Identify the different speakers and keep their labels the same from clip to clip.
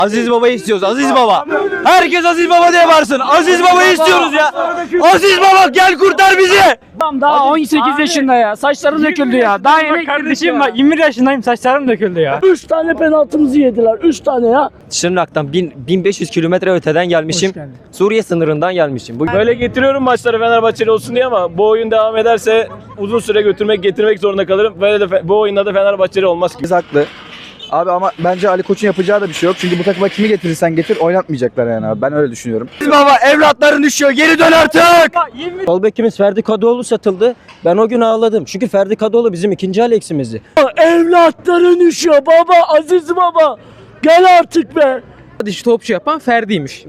Speaker 1: Aziz Baba'yı istiyoruz. Aziz Baba. Herkes Aziz Baba diye varsın. Aziz Baba'yı istiyoruz ya. Aziz Baba gel kurtar bizi.
Speaker 2: Adam daha 18 yaşında ya. Saçları döküldü ya. Daha yeni
Speaker 3: Kardeşim bak 21 yaşındayım, saçlarım döküldü ya.
Speaker 2: 3 tane penaltımızı yediler. 3 tane ya.
Speaker 1: Şırnak'tan 1500 kilometre öteden gelmişim.
Speaker 2: Hoş geldin.
Speaker 1: Suriye sınırından gelmişim.
Speaker 4: Böyle getiriyorum maçları Fenerbahçeli olsun diye ama bu oyun devam ederse uzun süre getirmek zorunda kalırım. Böyle de bu oyunda da Fenerbahçeli olmaz ki.
Speaker 5: Biz haklı. Abi ama bence Ali Koç'un yapacağı da bir şey yok. Çünkü bu takıma kimi getirirsen getir oynatmayacaklar yani abi. Ben öyle düşünüyorum.
Speaker 1: Aziz Baba evlatların düşüyor. Geri dön artık.
Speaker 6: Sol bekimiz Ferdi Kadıoğlu satıldı. Ben o gün ağladım. Çünkü Ferdi Kadıoğlu bizim ikinci Alex'imizdi.
Speaker 2: Evlatların üşüyor baba. Aziz baba. Gel artık be.
Speaker 3: Dişi topçu yapan Ferdi'ymiş.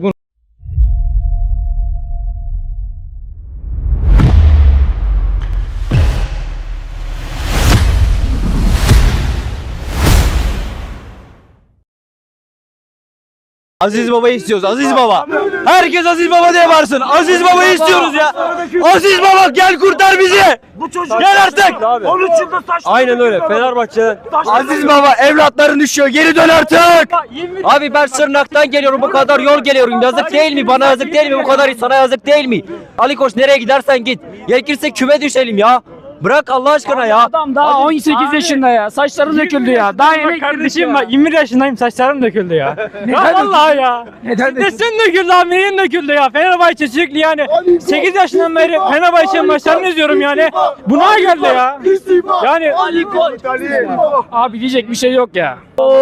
Speaker 1: Aziz Baba'yı istiyoruz. Aziz Baba. Herkes Aziz Baba diye varsın. Aziz Baba'yı istiyoruz ya. Aziz Baba gel kurtar bizi. Gel artık.
Speaker 6: Aynen öyle. Fenerbahçe.
Speaker 1: Aziz Baba evlatların düşüyor. Geri dön artık.
Speaker 6: Abi ben Sırnak'tan geliyorum. Bu kadar yol geliyorum. Yazık değil mi? Bana yazık değil mi? Bu kadar sana yazık değil mi? Ali Koç nereye gidersen git. Gerekirse küme düşelim ya. Bırak Allah aşkına ya.
Speaker 2: Adam daha 18 yaşında ya. Saçları döküldü ya. Daha yeni
Speaker 3: Kardeşim bak 21 yaşındayım, saçlarım döküldü ya. Ya vallahi ya.
Speaker 2: Neden
Speaker 3: Sesin döküldü abi, neyin döküldü ya? Fenerbahçe sürekli yani 8 yaşından beri Fenerbahçe maçlarını izliyorum yani. Buna geldi ya. Yani
Speaker 2: Abi diyecek bir şey yok ya.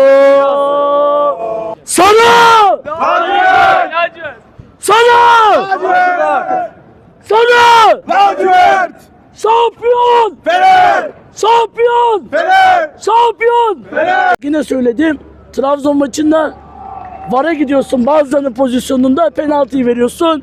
Speaker 2: Sana! Sana! Sana! Şampiyon! Fener! Şampiyon! Fener! Şampiyon! Fener! Yine söyledim. Trabzon maçında VAR'a gidiyorsun, bazılarının pozisyonunda penaltıyı veriyorsun.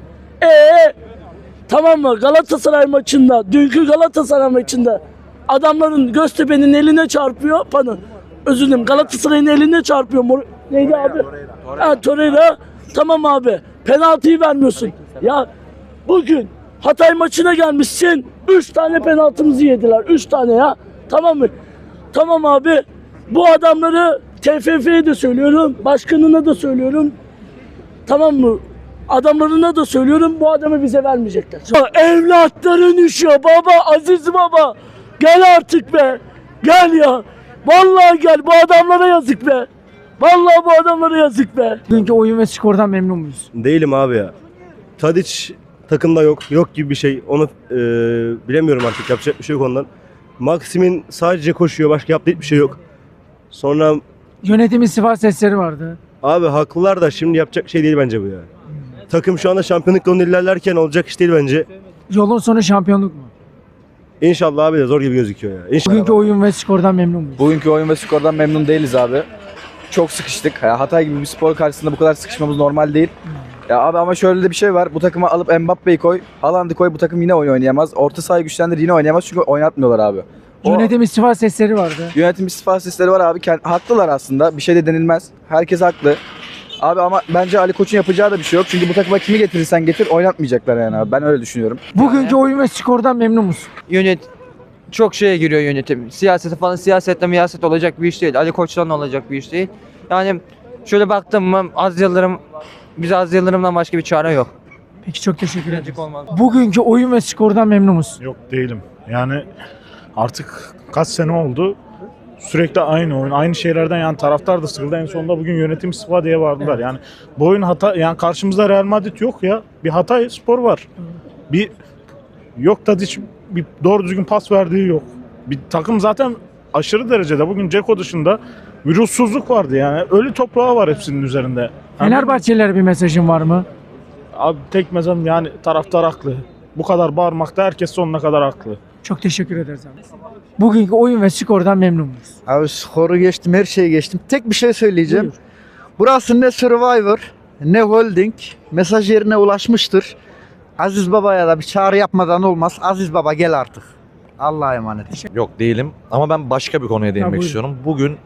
Speaker 2: Tamam mı? Galatasaray maçında, dünkü Galatasaray maçında adamların Göztepe'nin eline çarpıyor. Özür dilerim. Galatasaray'ın eline çarpıyor. Neydi abi? Torreira. Tamam abi. Penaltıyı vermiyorsun. Ya bugün Hatay maçına gelmişsin. 3 tane penaltımızı yediler. 3 tane ya. Tamam mı? Tamam abi. Bu adamları TFF'ye de söylüyorum. Başkanına da söylüyorum. Tamam mı? Adamlarına da söylüyorum. Bu adamı bize vermeyecekler. Evlatların üşüyor baba. Aziz baba. Gel artık be. Gel ya. Vallahi gel. Bu adamlara yazık be. Vallahi bu adamlara yazık be. Bugünkü oyun ve skordan memnun muyuz?
Speaker 7: Değilim abi ya. Tadiç takımda yok gibi bir şey. Onu bilemiyorum artık. Yapacak bir şey yok ondan. Maxim'in sadece koşuyor. Başka yaptığı hiçbir şey yok. Sonra
Speaker 2: Yönetimin sifat sesleri vardı.
Speaker 7: abi haklılar da şimdi yapacak şey değil bence bu ya. Takım şu anda şampiyonluk yolunda ilerlerken olacak iş değil bence.
Speaker 2: Yolun sonu şampiyonluk mu?
Speaker 7: İnşallah abi de zor gibi gözüküyor ya. İnşallah.
Speaker 2: Bugünkü oyun ve skordan memnun muyuz?
Speaker 5: Bugünkü oyun ve skordan memnun değiliz abi. Çok sıkıştık. Ya Hatay gibi bir spor karşısında bu kadar sıkışmamız normal değil. Ya abi ama şöyle de bir şey var. Bu takıma alıp Mbappe'yi koy, Haaland'ı koy, bu takım yine oyun oynayamaz. Orta sahayı güçlendir, yine oynayamaz çünkü oynatmıyorlar abi.
Speaker 2: Yönetimin sifat sesleri vardı.
Speaker 5: Yönetim istifa sesleri var abi. Haklılar aslında. Bir şey de denilmez. Herkes haklı. Abi ama bence Ali Koç'un yapacağı da bir şey yok. Çünkü bu takıma kimi getirirsen getir oynatmayacaklar yani abi. Ben öyle düşünüyorum.
Speaker 2: Bugünkü oyun ve skordan memnun musun?
Speaker 8: Çok şeye giriyor yönetim. Siyasete falan, siyasetle miyaset olacak bir iş değil. Ali Koç'tan olacak bir iş değil. Yani şöyle baktım mı bize Az Yıldırım'dan başka bir çare yok.
Speaker 2: Peki çok teşekkür ederim. Bugünkü oyun ve skordan memnun musun?
Speaker 9: Yok değilim. Yani artık kaç sene oldu. Sürekli aynı oyun, aynı şeylerden yani taraftar da sıkıldı. En sonunda bugün yönetim istifa diye vardılar. Evet. Yani bu oyun hata, yani karşımızda Real Madrid yok ya. Bir Hatay Spor var. Bir yok da hiç bir doğru düzgün pas verdiği yok. Bir takım zaten aşırı derecede bugün Ceko dışında virüssüzlük vardı yani. Ölü toprağı var hepsinin üzerinde.
Speaker 2: Fenerbahçelilere bir mesajın var mı?
Speaker 9: Abi tek mezarım yani taraftar haklı. Bu kadar bağırmakta herkes sonuna kadar haklı.
Speaker 2: Çok teşekkür ederiz abi. Bugünkü oyun ve skordan memnun muyuz?
Speaker 10: Abi skoru geçtim, her şeyi geçtim. Tek bir şey söyleyeceğim.
Speaker 2: Buyur.
Speaker 10: Burası ne Survivor, ne Holding. Mesaj yerine ulaşmıştır. Aziz Baba'ya da bir çağrı yapmadan olmaz. Aziz Baba gel artık. Allah'a emanet.
Speaker 11: Yok değilim ama ben başka bir konuya değinmek
Speaker 2: buyurun.
Speaker 11: istiyorum. Bugün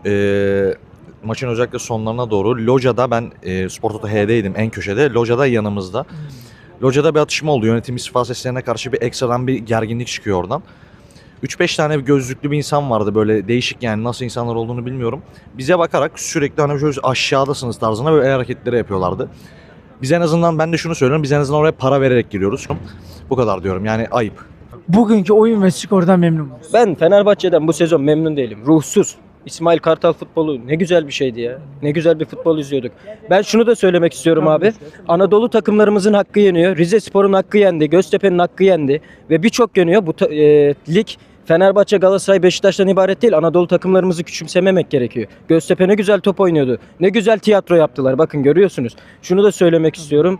Speaker 11: maçın özellikle sonlarına doğru Loca'da ben Spor Toto H'deydim en köşede. Loca'da yanımızda. Loca'da bir atışma oldu. Yönetim istifa seslerine karşı bir ekstradan bir gerginlik çıkıyor oradan. 3-5 tane bir gözlüklü bir insan vardı böyle değişik, yani nasıl insanlar olduğunu bilmiyorum. Bize bakarak sürekli hani şöyle aşağıdasınız tarzına böyle el hareketleri yapıyorlardı. Biz en azından, ben de şunu söylüyorum, biz en azından oraya para vererek giriyoruz. Bu kadar diyorum, yani ayıp.
Speaker 1: Bugünkü oyun ve skordan memnun muyuz?
Speaker 6: Ben Fenerbahçe'den bu sezon memnun değilim. Ruhsuz. İsmail Kartal futbolu ne güzel bir şeydi ya. Ne güzel bir futbol izliyorduk. Ben şunu da söylemek istiyorum abi. Anadolu takımlarımızın hakkı yeniyor. Rizespor'un hakkı yendi. Göztepe'nin hakkı yendi. Ve birçok yeniyor. Bu lig Fenerbahçe, Galatasaray, Beşiktaş'tan ibaret değil. Anadolu takımlarımızı küçümsememek gerekiyor. Göztepe ne güzel top oynuyordu. Ne güzel tiyatro yaptılar. Bakın görüyorsunuz. Şunu da söylemek istiyorum.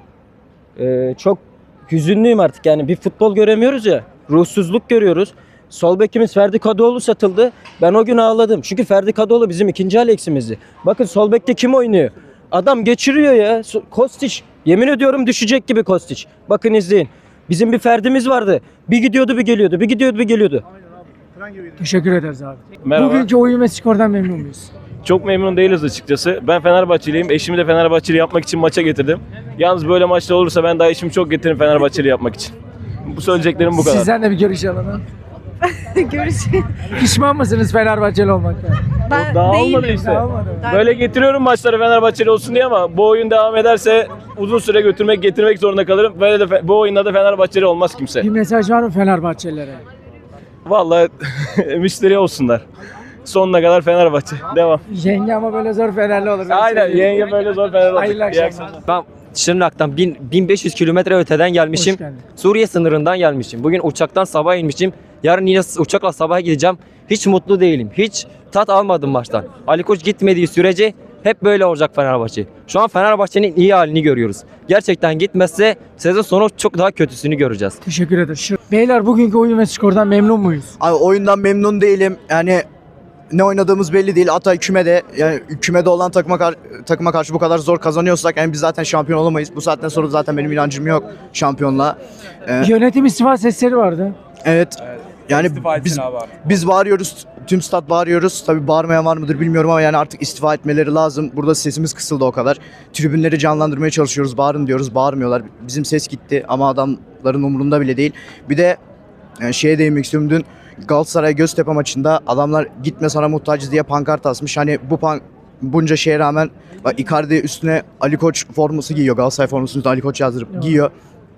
Speaker 6: Çok hüzünlüyüm artık. Yani bir futbol göremiyoruz ya. Ruhsuzluk görüyoruz. Sol bekimiz Ferdi Kadıoğlu satıldı. Ben o gün ağladım. Çünkü Ferdi Kadıoğlu bizim ikinci Alex'imizdi. Bakın sol bekte kim oynuyor? Adam geçiriyor ya. Kostić. Yemin ediyorum düşecek gibi Kostić. Bakın izleyin. Bizim bir Ferdi'miz vardı. Bir gidiyordu bir geliyordu. Bir gidiyordu bir geliyordu.
Speaker 1: Teşekkür ederiz abi.
Speaker 4: Merhaba.
Speaker 1: Bugünkü oyun ve skordan memnun muyuz?
Speaker 4: Çok memnun değiliz açıkçası. Ben Fenerbahçeliyim. Eşimi de Fenerbahçeli yapmak için maça getirdim. Yalnız böyle maçta olursa ben daha eşimi çok getiririm Fenerbahçeli yapmak için. Bu söyleyeceklerim bu kadar.
Speaker 1: Sizden de bir görüş alalım.
Speaker 12: Görüşürüz.
Speaker 1: Pişman mısınız Fenerbahçeli olmaktan?
Speaker 12: Ben
Speaker 4: Daha
Speaker 12: değilim.
Speaker 4: olmadı işte.
Speaker 1: Daha olmadı.
Speaker 4: Böyle getiriyorum maçları Fenerbahçeli olsun diye ama bu oyun devam ederse uzun süre getirmek zorunda kalırım. Böyle de bu oyunda da Fenerbahçeli olmaz kimse.
Speaker 1: Bir mesaj var mı Fenerbahçelilere?
Speaker 4: Vallahi müşteri olsunlar. Sonuna kadar Fenerbahçe. Devam.
Speaker 1: Yenge ama böyle zor Fenerli olur.
Speaker 4: Aynen, yenge böyle zor Fenerbahçe.
Speaker 1: Hayırlı
Speaker 4: İyi
Speaker 1: akşamlar.
Speaker 6: Ben Şırnak'tan 1500 kilometre öteden gelmişim.
Speaker 1: Hoş geldin.
Speaker 6: Suriye sınırından gelmişim. Bugün uçaktan sabah inmişim. Yarın yine uçakla sabaha gideceğim. Hiç mutlu değilim. Hiç tat almadım maçtan. Ali Koç gitmediği sürece hep böyle olacak Fenerbahçe. Şu an Fenerbahçe'nin iyi halini görüyoruz. Gerçekten gitmezse sezon sonu çok daha kötüsünü göreceğiz.
Speaker 1: Teşekkür ederim. Beyler bugünkü oyun ve skordan memnun muyuz?
Speaker 10: Abi oyundan memnun değilim. Yani ne oynadığımız belli değil. Hatay kümede, yani kümede olan takıma karşı bu kadar zor kazanıyorsak yani biz zaten şampiyon olamayız. Bu saatten sonra zaten benim inancım yok şampiyonluğa.
Speaker 1: Yönetim istifa sesleri vardı.
Speaker 10: Evet. Yani biz bağırıyoruz. Tüm stat bağırıyoruz. Tabii bağırmayan var mıdır bilmiyorum ama yani artık istifa etmeleri lazım. Burada sesimiz kısıldı o kadar. Tribünleri canlandırmaya çalışıyoruz. Bağırın diyoruz. Bağırmıyorlar. Bizim ses gitti ama adamların umurunda bile değil. Bir de şeye değinmek istiyorum. Dün Galatasaray Göztepe maçında adamlar gitme sana muhtacız diye pankart asmış. Hani bunca şeye rağmen bak Icardi üstüne Ali Koç forması giyiyor. Galatasaray formasının üstüne Ali Koç yazdırıp giyiyor.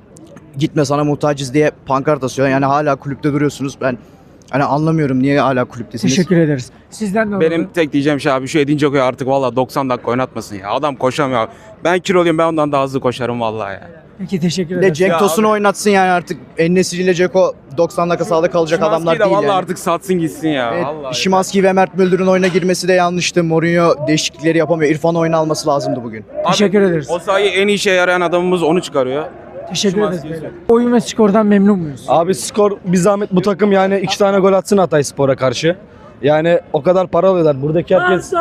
Speaker 10: Gitme sana muhtacız diye pankart asıyor. Yani hala kulüpte duruyorsunuz. Ben hani anlamıyorum niye hala kulüptesiniz.
Speaker 1: Teşekkür ederiz. Sizden ne oldu?
Speaker 13: Benim tek diyeceğim şey abi şu Edin Dzeko'yu artık valla 90 dakika oynatmasın ya. Adam koşamıyor. Ben kiloluyum, ben ondan daha hızlı koşarım vallahi ya.
Speaker 1: Peki teşekkür
Speaker 10: Bir de
Speaker 1: ederiz.
Speaker 10: Cenk Tosun'u oynatsın yani artık. En-Nesyri ile Dzeko 90 dakika sahada kalacak adamlar
Speaker 13: de
Speaker 10: değil
Speaker 13: vallahi
Speaker 10: yani.
Speaker 13: artık satsın gitsin ya.
Speaker 10: Evet,
Speaker 13: Vallahi.
Speaker 10: Şimanski ve Mert Müldür'ün oyuna girmesi de yanlıştı. Mourinho değişiklikleri yapamıyor. İrfan oyuna alması lazımdı bugün.
Speaker 1: Teşekkür ederiz.
Speaker 13: O sahayı en iyi işe yarayan adamımız onu çıkarıyor.
Speaker 1: Teşekkür ederiz beyler. Oyun ve skordan memnun muyuz?
Speaker 5: Abi skor bir zahmet bu takım yani 2 tane gol atsın Hatayspor'a karşı. Yani o kadar para alıyorlar. Buradaki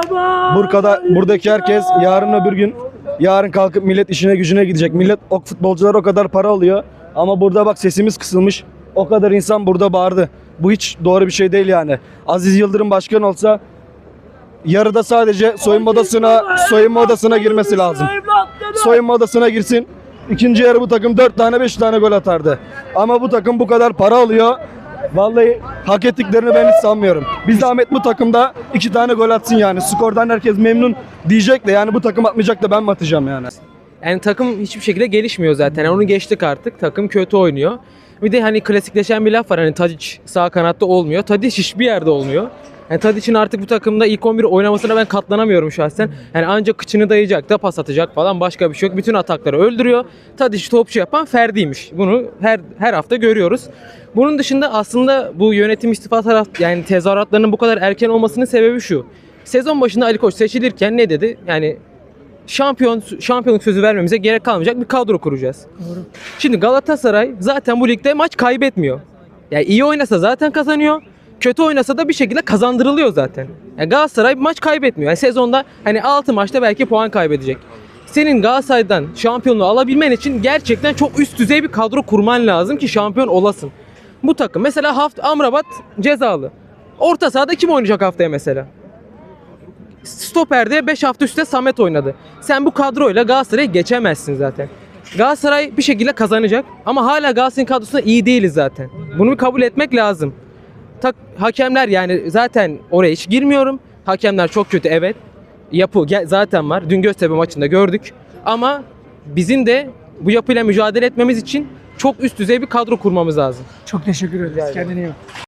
Speaker 5: herkes yarın öbür gün kalkıp millet işine gücüne gidecek. Millet futbolcular o kadar para alıyor. Ama burada bak sesimiz kısılmış. O kadar insan burada bağırdı. Bu hiç doğru bir şey değil yani. Aziz Yıldırım başkan olsa yarıda sadece soyunma odasına girmesi lazım. Soyunma odasına girsin. İkinci yarı bu takım 4 tane 5 tane gol atardı. Ama bu takım bu kadar para alıyor. Vallahi hak ettiklerini ben hiç sanmıyorum. Bir zahmet bu takımda 2 tane gol atsın yani. Skordan herkes memnun diyecek de yani bu takım atmayacak da ben mi atacağım yani.
Speaker 14: Yani takım hiçbir şekilde gelişmiyor zaten. Yani onu geçtik artık. Takım kötü oynuyor. Bir de hani klasikleşen bir laf var. Hani Tadić sağ kanatta olmuyor. Tadić hiçbir yerde olmuyor. Yani Tadić'in artık bu takımda ilk 11 oynamasına ben katlanamıyorum şahsen. Yani ancak kıçını dayayacak da pas atacak falan, başka bir şey yok. Bütün atakları öldürüyor. Tadić'i topçu yapan Ferdi'ymiş. Bunu her hafta görüyoruz. Bunun dışında aslında bu yönetim istifa yani tezahüratlarının bu kadar erken olmasının sebebi şu. Sezon başında Ali Koç seçilirken ne dedi? Yani şampiyonluk sözü vermemize gerek kalmayacak bir kadro kuracağız.
Speaker 1: Doğru.
Speaker 14: Şimdi Galatasaray zaten bu ligde maç kaybetmiyor. Yani iyi oynasa zaten kazanıyor. Kötü oynasa da bir şekilde kazandırılıyor zaten. Yani Galatasaray maç kaybetmiyor. Yani sezonda hani 6 maçta belki puan kaybedecek. Senin Galatasaray'dan şampiyonluğu alabilmen için gerçekten çok üst düzey bir kadro kurman lazım ki şampiyon olasın. Bu takım mesela Amrabat cezalı. Orta sahada kim oynayacak haftaya mesela? Stoper'de 5 hafta üstte Samet oynadı. Sen bu kadroyla Galatasaray'ı geçemezsin zaten. Galatasaray bir şekilde kazanacak ama hala Galatasaray'ın kadrosunda iyi değiliz zaten. Bunu bir kabul etmek lazım. hakemler yani zaten oraya hiç girmiyorum. Hakemler çok kötü, evet. Yapı zaten var. Dün Göztepe maçında gördük. Ama bizim de bu yapıyla mücadele etmemiz için çok üst düzey bir kadro kurmamız lazım.
Speaker 2: Çok teşekkür ederiz. Kendine iyi bak.